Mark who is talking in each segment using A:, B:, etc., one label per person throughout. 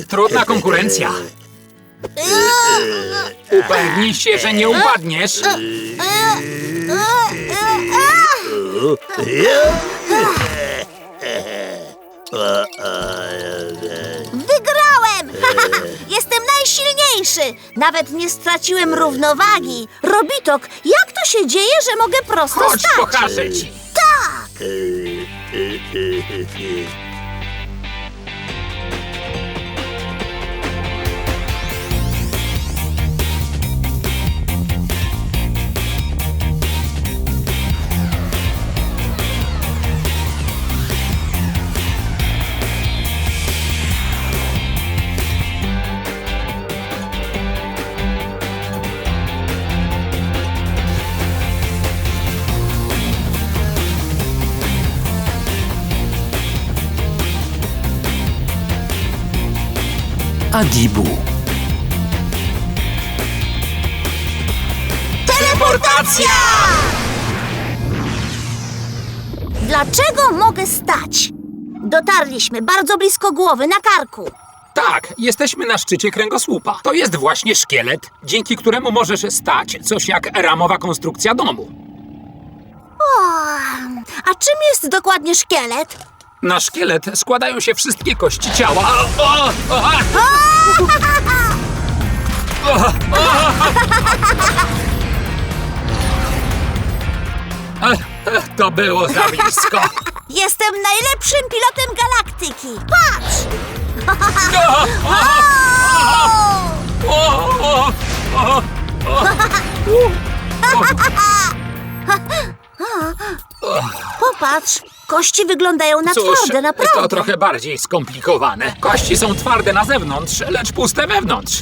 A: trudna konkurencja. Upewnij się, że nie upadniesz.
B: Wygrałem! Jestem najsilniejszy! Nawet nie straciłem równowagi. Robitok, jak to się dzieje, że mogę prosto
A: Chodź,
B: stać?
A: pokażę ci.
B: Tak!
C: Adibu.
B: Teleportacja! Dlaczego mogę stać? Dotarliśmy bardzo blisko głowy, na karku.
A: Tak, jesteśmy na szczycie kręgosłupa. To jest właśnie szkielet, dzięki któremu możesz stać, coś jak ramowa konstrukcja domu.
B: O, a czym jest dokładnie szkielet?
A: Na szkielet składają się wszystkie kości ciała. To było za blisko.
B: Jestem najlepszym pilotem galaktyki. Patrz! Popatrz, kości wyglądają na
A: Cóż,
B: twarde, naprawdę.
A: to trochę bardziej skomplikowane. Kości są twarde na zewnątrz, lecz puste wewnątrz.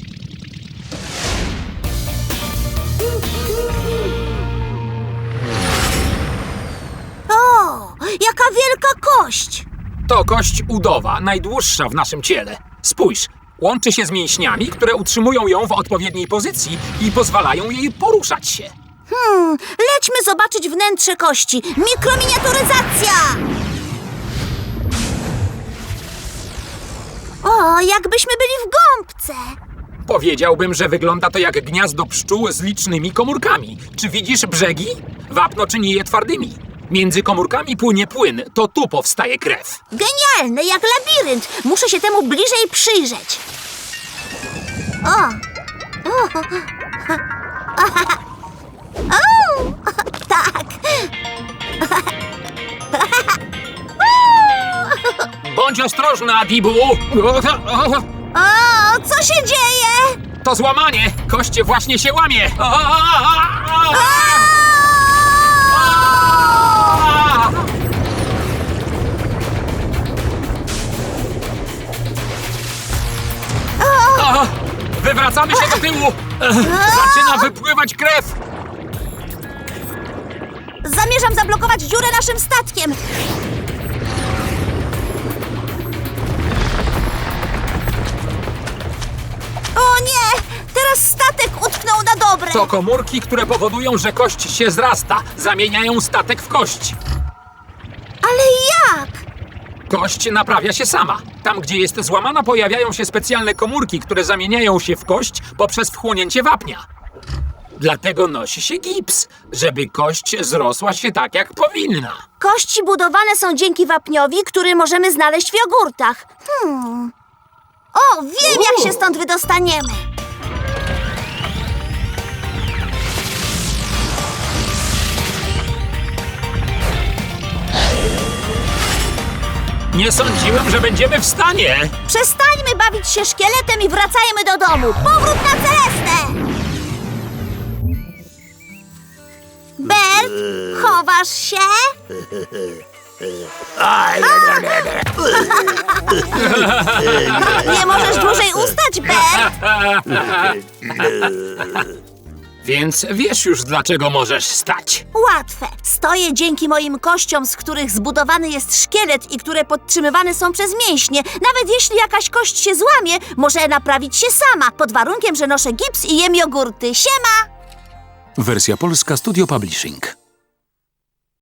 B: O, jaka wielka kość!
A: To kość udowa, najdłuższa w naszym ciele. Spójrz, łączy się z mięśniami, które utrzymują ją w odpowiedniej pozycji i pozwalają jej poruszać się.
B: Lećmy zobaczyć wnętrze kości. Mikrominiaturyzacja! O, jakbyśmy byli w gąbce.
A: Powiedziałbym, że wygląda to jak gniazdo pszczół z licznymi komórkami. Czy widzisz brzegi? Wapno czyni je twardymi. Między komórkami płynie płyn, to tu powstaje krew.
B: Genialne, jak labirynt. Muszę się temu bliżej przyjrzeć. O! O! Tak!
A: Bądź ostrożna, Adibu!
B: O, co się dzieje?
A: To złamanie! Kość właśnie się łamie! Wywracamy się do tyłu! Zaczyna wypływać krew!
B: Zamierzam zablokować dziurę naszym statkiem. O nie! Teraz statek utknął na dobre.
A: To komórki, które powodują, że kość się zrasta. Zamieniają statek w kość.
B: Ale jak?
A: Kość naprawia się sama. Tam, gdzie jest złamana, pojawiają się specjalne komórki, które zamieniają się w kość poprzez wchłonięcie wapnia. Dlatego nosi się gips, żeby kość zrosła się tak, jak powinna.
B: Kości budowane są dzięki wapniowi, który możemy znaleźć w jogurtach. O, wiem, jak się stąd wydostaniemy.
A: Nie sądziłem, że będziemy w stanie.
B: Przestańmy bawić się szkieletem i wracajmy do domu. Powrót na Celestę! Bert, chowasz się? Nie możesz dłużej ustać, Bert.
A: Więc wiesz już, dlaczego możesz stać.
B: Łatwe. Stoję dzięki moim kościom, z których zbudowany jest szkielet i które podtrzymywane są przez mięśnie. Nawet jeśli jakaś kość się złamie, może naprawić się sama, pod warunkiem, że noszę gips i jem jogurty. Siema!
C: Wersja polska Studio Publishing.